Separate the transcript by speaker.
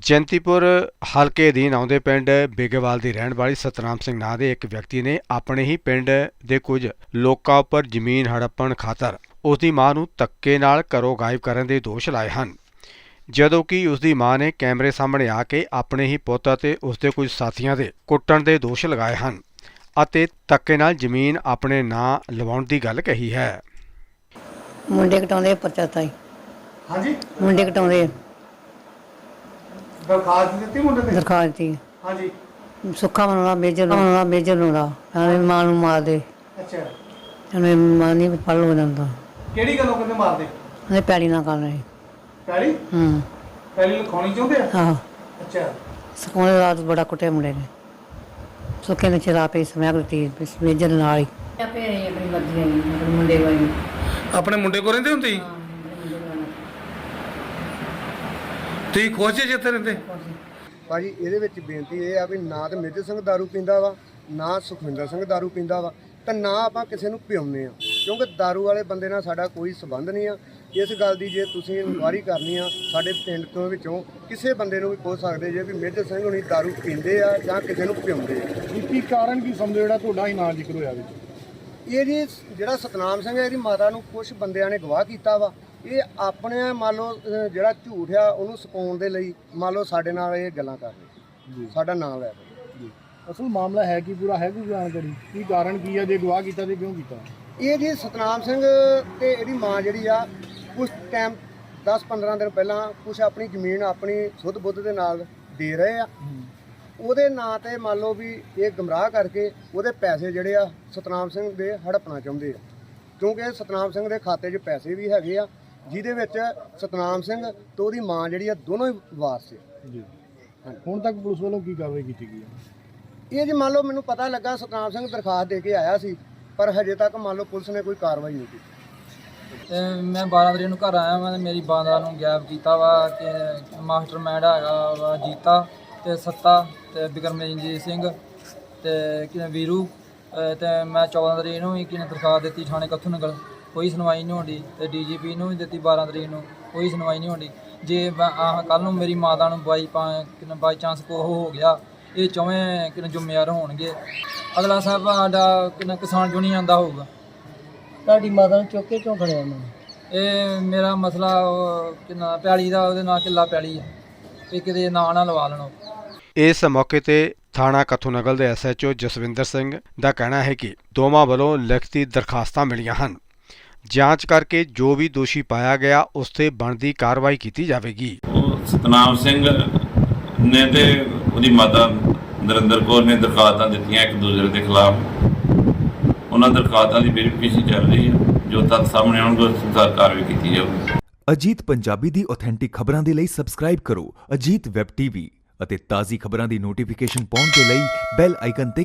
Speaker 1: ਚਿੰਤੀਪੁਰ ਹਲਕੇ ਅਧੀਨ ਆਉਂਦੇ ਪਿੰਡ ਬੇਗੇਵਾਲ ਦੀ ਰਹਿਣ ਵਾਲੀ ਸਤਨਾਮ ਸਿੰਘ ਨਾਂ ਦੇ ਇੱਕ ਵਿਅਕਤੀ ਨੇ ਆਪਣੇ ਹੀ ਪਿੰਡ ਦੇ ਕੁਝ ਲੋਕਾਂ ਉੱਪਰ ਜ਼ਮੀਨ ਹੜੱਪਣ ਖਾਤਰ ਉਸ ਦੀ ਮਾਂ ਨੂੰ ਧੱਕੇ ਨਾਲ ਘਰੋਂ ਗਾਇਬ ਕਰਨ ਦੇ ਦੋਸ਼ ਲਾਏ ਹਨ, ਜਦੋਂ ਕਿ ਉਸ ਦੀ ਮਾਂ ਨੇ ਕੈਮਰੇ ਸਾਹਮਣੇ ਆ ਕੇ ਆਪਣੇ ਹੀ ਪੁੱਤ ਅਤੇ ਉਸ ਦੇ ਕੁਝ ਸਾਥੀਆਂ ਦੇ ਕੁੱਟਣ ਦੇ ਦੋਸ਼ ਲਗਾਏ ਹਨ ਅਤੇ ਧੱਕੇ ਨਾਲ ਜ਼ਮੀਨ ਆਪਣੇ ਨਾਂ ਲਵਾਉਣ ਦੀ ਗੱਲ ਕਹੀ ਹੈ।
Speaker 2: ਮੁੰਡੇ ਕਟਾਉਂਦੇ ਪਰਚਾ ਤਾਈ।
Speaker 3: ਹਾਂਜੀ,
Speaker 2: ਮੁੰਡੇ ਕਟਾਉਂਦੇ
Speaker 3: ਦਰਖਾਸਤ ਦਿੱਤੀ ਮੁੰਡੇ ਤੇ।
Speaker 2: ਦਰਖਾਸਤ ਦਿੱਤੀ।
Speaker 3: ਹਾਂਜੀ,
Speaker 2: ਸੁੱਖਾ ਮਨਾਉਣਾ ਮੇਜਰ ਨੂੰ ਦਾ ਨਾਲੇ ਮਾਂ ਨੂੰ ਮਾਰ ਦੇ।
Speaker 3: ਅੱਛਾ,
Speaker 2: ਉਹਨੇ ਮਾਂ ਨਹੀਂ ਪੜ ਲੋ ਜਾਂਦਾ।
Speaker 3: ਕਿਹੜੀ ਗੱਲੋਂ ਕਹਿੰਦੇ ਮਾਰਦੇ?
Speaker 2: ਉਹਨੇ ਪੈੜੀ ਨਾ ਕਰ ਰਹੀ।
Speaker 3: ਪੈਲੀ ਪੈਲੀ ਲਿਖਾਉਣੀ ਚਾਹੁੰਦੇ ਆ?
Speaker 2: ਆਹੋ।
Speaker 3: ਅੱਛਾ,
Speaker 2: ਸਕੂਲੇ ਰਾਤ ਬੜਾ ਕੁੱਟਿਆ ਮੁੰਡੇ ਨੇ। ਸੁੱਕੇ ਨੇ ਚਰਾ ਪਈ ਸਮੈਕ ਦਿੱਤੀ ਮੇਜਰ ਨਾਲ ਹੀ। ਆਪੇ ਆਪਣੀ ਮਰਜ਼ੀ ਆਈ ਮੁੰਡੇ ਵਾਲੀ।
Speaker 3: ਆਪਣੇ ਮੁੰਡੇ ਕੋਲ ਰਹਿੰਦੇ ਹੁੰਦੇ ਸੀ? ਤੁਸੀਂ ਖੁਸ਼ ਜੇ ਜਿੱਥੇ ਰਹਿੰਦੇ?
Speaker 4: ਭਾਜੀ ਇਹਦੇ ਵਿੱਚ ਬੇਨਤੀ ਇਹ ਆ ਵੀ ਨਾ ਤੇ ਮੇਜਰ ਸਿੰਘ ਦਾਰੂ ਪੀਂਦਾ ਵਾ, ਨਾ ਸੁਖਵਿੰਦਰ ਸਿੰਘ ਦਾਰੂ ਪੀਂਦਾ ਵਾ, ਤੇ ਨਾ ਆਪਾਂ ਕਿਸੇ ਨੂੰ ਪਿਆਉਂਦੇ ਆ, ਕਿਉਂਕਿ ਦਾਰੂ ਵਾਲੇ ਬੰਦੇ ਨਾਲ ਸਾਡਾ ਕੋਈ ਸੰਬੰਧ ਨਹੀਂ ਆ। ਇਸ ਗੱਲ ਦੀ ਜੇ ਤੁਸੀਂ ਇਨਕੁਆਇਰੀ ਕਰਨੀ ਆ ਸਾਡੇ ਪਿੰਡ ਤੋਂ ਵਿੱਚੋਂ ਕਿਸੇ ਬੰਦੇ ਨੂੰ ਵੀ ਪੁੱਛ ਸਕਦੇ ਜੇ ਵੀ ਮੇਜਰ ਸਿੰਘ ਹੁਣੀ ਦਾਰੂ ਪੀਂਦੇ ਆ ਜਾਂ ਕਿਸੇ ਨੂੰ ਪਿਆਉਂਦੇ ਆ।
Speaker 3: ਕੀ ਕਾਰਨ ਕੀ ਸਮਝੋ ਜਿਹੜਾ ਤੁਹਾਡਾ ਹੀ ਨਾਂ ਜ਼ਿਕਰ ਹੋਇਆ ਵਿੱਚ?
Speaker 4: ਇਹ ਜੀ ਜਿਹੜਾ ਸਤਨਾਮ ਸਿੰਘ ਹੈ ਇਹਦੀ ਮਾਤਾ ਨੂੰ ਕੁਝ ਬੰਦਿਆਂ ਨੇ ਗਵਾਹ ਕੀਤਾ ਵਾ। ਇਹ ਆਪਣੇ ਮੰਨ ਲਓ ਜਿਹੜਾ ਝੂਠ ਆ ਉਹਨੂੰ ਸਪਾਉਣ ਦੇ ਲਈ ਮੰਨ ਲਓ ਸਾਡੇ ਨਾਲ ਇਹ ਗੱਲਾਂ ਕਰ ਰਹੇ, ਸਾਡਾ ਨਾਮ ਲੈ ਰਹੇ।
Speaker 3: ਅਸਲ ਮਾਮਲਾ ਹੈ ਕੀ, ਪੂਰਾ ਹੈ ਕੋਈ ਜਾਣਕਾਰੀ? ਕੀ ਕਾਰਨ ਕੀ ਆ, ਜੇ ਗਵਾਹ ਕੀਤਾ ਤੇ ਕਿਉਂ ਕੀਤਾ?
Speaker 4: ਇਹ ਜੀ ਸਤਨਾਮ ਸਿੰਘ ਤੇ ਇਹਦੀ ਮਾਂ ਜਿਹੜੀ ਆ ਕੁਝ ਟਾਈਮ 10-15 ਦਿਨ ਪਹਿਲਾਂ ਕੁਝ ਆਪਣੀ ਜ਼ਮੀਨ ਆਪਣੀ ਸੁੱਧ ਬੁੱਧ ਦੇ ਨਾਲ ਦੇ ਰਹੇ ਆ। ਉਹਦੇ ਨਾਂ ਤੇ ਮੰਨ ਲਓ ਵੀ ਇਹ ਗਮਰਾਹ ਕਰਕੇ ਉਹਦੇ ਪੈਸੇ ਜਿਹੜੇ ਆ ਸਤਨਾਮ ਸਿੰਘ ਦੇ ਹੜੱਪਣਾ ਚਾਹੁੰਦੇ ਆ, ਕਿਉਂਕਿ ਸਤਨਾਮ ਸਿੰਘ ਦੇ ਖਾਤੇ 'ਚ ਪੈਸੇ ਵੀ ਹੈਗੇ ਆ ਜਿਹਦੇ ਵਿੱਚ ਸਤਨਾਮ ਸਿੰਘ ਤੇ ਉਹਦੀ ਮਾਂ ਜਿਹੜੀ ਆ ਦੋਨੋਂ ਹੀ ਵਾਰਸ ਆ
Speaker 3: ਜੀ। ਹੁਣ ਤੱਕ ਪੁਲਿਸ ਵੱਲੋਂ ਕੀ ਕਾਰਵਾਈ ਕੀਤੀ ਗਈ ਹੈ?
Speaker 4: ਇਹ ਜੀ ਮੰਨ ਲਓ ਮੈਨੂੰ ਪਤਾ ਲੱਗਾ ਸਤਨਾਮ ਸਿੰਘ ਦਰਖਾਸਤ ਦੇ ਕੇ ਆਇਆ ਸੀ, ਪਰ ਹਜੇ ਤੱਕ ਮੰਨ ਲਓ ਪੁਲਿਸ ਨੇ ਕੋਈ ਕਾਰਵਾਈ ਨਹੀਂ ਕੀਤੀ।
Speaker 5: ਮੈਂ 12 ਤਰੀਕ ਨੂੰ ਘਰ ਆਇਆ ਮੈਂ ਮੇਰੀ ਬਾਂਦਰਾ ਨੂੰ ਗਾਇਬ ਕੀਤਾ ਵਾ ਕਿ ਮਾਸਟਰਮਾਈਂਡ ਹੈਗਾ ਵਾ ਜੀਤਾ ਤੇ ਸੱਤਾ ਤੇ ਬਿਕਰਮਜੀਤ ਸਿੰਘ ਤੇ ਕਿ ਵੀਰੂ ਤੇ ਮੈਂ 14 ਤਰੀਕ ਨੂੰ ਵੀ ਕਿਨੇ ਦਰਖਾਸਤ ਦਿੱਤੀ ਥਾਣੇ ਕੱਥੂ ਨਗਰ, ਕੋਈ ਸੁਣਵਾਈ ਨਹੀਂ ਹੋਣੀ ਤੇ ਡੀਜੀਪੀ ਨੂੰ ਵੀ ਦਿੱਤੀ 12 ਤਰੀਕ ਨੂੰ, ਕੋਈ ਸੁਣਵਾਈ ਨਹੀਂ ਹੋਣੀ। ਜੇ ਕੱਲ੍ਹ ਨੂੰ ਮੇਰੀ ਮਾਤਾ ਨੂੰ ਬਾਈ ਚਾਂਸ ਕੋ ਹੋ ਗਿਆ, ਇਹ ਚੌਵੇਂ ਕਿਨੇ ਜ਼ਿੰਮੇਵਾਰ ਹੋਣਗੇ। ਅਗਲਾ ਸਾਹਿਬ ਸਾਡਾ ਕਿਨੇ ਕਿਸਾਨ ਯੂਨੀਅਨ ਦਾ ਹੋਊਗਾ।
Speaker 2: ਤੁਹਾਡੀ ਮਾਤਾ ਨੂੰ ਚੁੱਕ ਕੇ ਕਿਉਂ ਖੜਿਆ ਉਹਨਾਂ ਨੇ?
Speaker 5: ਇਹ ਮੇਰਾ ਮਸਲਾ ਕਿੰਨਾ ਪੈਲੀ ਦਾ, ਉਹਦੇ ਨਾਲ ਕਿੱਲਾ ਪੈਲੀ ਆ, ਇਹ ਕਿਤੇ ਨਾਂ ਨਾ ਲਵਾ ਲੈਣ।
Speaker 1: ਇਸ ਮੌਕੇ ਤੇ ਥਾਣਾ ਕੱਥੂ ਨਗਰ ਦੇ SHO ਜਸਵਿੰਦਰ ਸਿੰਘ ਦਾ ਕਹਿਣਾ ਹੈ ਕਿ ਦੋਵਾਂ ਵੱਲੋਂ ਲਿਖਤੀ ਦਰਖਾਸਤਾਂ ਮਿਲੀਆਂ ਹਨ। ਜਾਂਚ ਕਰਕੇ ਜੋ ਵੀ ਦੋਸ਼ੀ ਪਾਇਆ ਗਿਆ ਉਸ ਤੇ ਬਣਦੀ ਕਾਰਵਾਈ ਕੀਤੀ ਜਾਵੇਗੀ।
Speaker 6: ਸਤਨਾਮ ਸਿੰਘ ਨੇ ਤੇ ਉਹਦੀ ਮਾਤਾ ਨਰਿੰਦਰ ਕੌਰ ਨੇ ਦਰਖਾਸਤਾਂ ਦਿੱਤੀਆਂ ਇੱਕ ਦੂਜੇ ਦੇ ਖਿਲਾਫ। ਉਹਨਾਂ ਦਰਖਾਸਤਾਂ ਦੀ ਵੈਰੀਫਿਕੇਸ਼ਨ ਚੱਲ ਰਹੀ ਹੈ, ਜੋ ਤੱਥ ਸਾਹਮਣੇ ਆਉਣਗੇ ਉਸ ਅਨੁਸਾਰ ਕਾਰਵਾਈ ਕੀਤੀ ਜਾਊਗੀ।
Speaker 7: ਅਜੀਤ ਪੰਜਾਬੀ ਦੀ ਆਥੈਂਟਿਕ ਖਬਰਾਂ ਦੇ ਲਈ ਸਬਸਕ੍ਰਾਈਬ ਕਰੋ ਅਜੀਤ ਵੈਬ TV ਅਤੇ ਤਾਜ਼ੀ ਖਬਰਾਂ ਦੀ ਨੋਟੀਫਿਕੇਸ਼ਨ ਪਾਉਣ ਦੇ ਲਈ ਬੈਲ ਆਈਕਨ ਤੇ